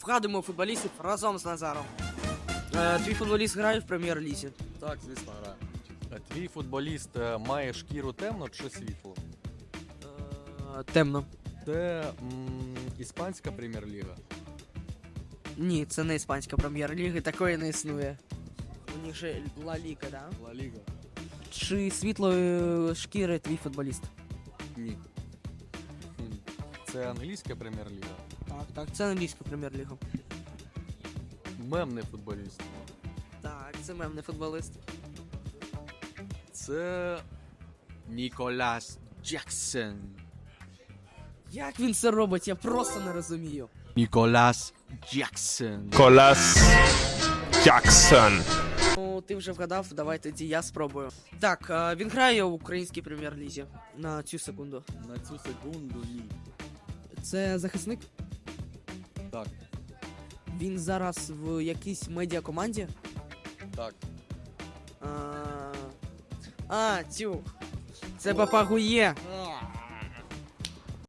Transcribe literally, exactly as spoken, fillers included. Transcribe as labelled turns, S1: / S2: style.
S1: Вгадуємо футболістів разом з Назаром. Е, твій футболіст грає в прем'єр-лізі?
S2: Так, звісно, грає. А твій футболіст е, має шкіру темну чи світлу?
S1: Е, темно.
S2: Це м, іспанська прем'єр-ліга.
S1: Ні, це не іспанська прем'єр-ліга, такої не існує. У них же Ла Ліга, да?
S2: Ла Ліга?
S1: Чи світлої шкіри твій футболіст?
S2: Ні. Хм. Це англійська прем'єр-ліга.
S1: Так, так, це англійська прем'єр-ліга.
S2: Мемний футболіст.
S1: Так, це мемний футболіст.
S2: Це Ніколас Джексон.
S1: Як він це робить, я просто не розумію.
S2: Ніколас Джексон.
S3: Колас Джексон.
S1: Ну, ти вже вгадав, давай тоді я спробую. Так, е, він грає у українській прем'єр-лізі. На цю секунду.
S2: На цю секунду ні.
S1: Це захисник?
S2: Так,
S1: Він зараз в якійсь медіакоманді?
S2: так.
S1: А, а цю. Це Папагує.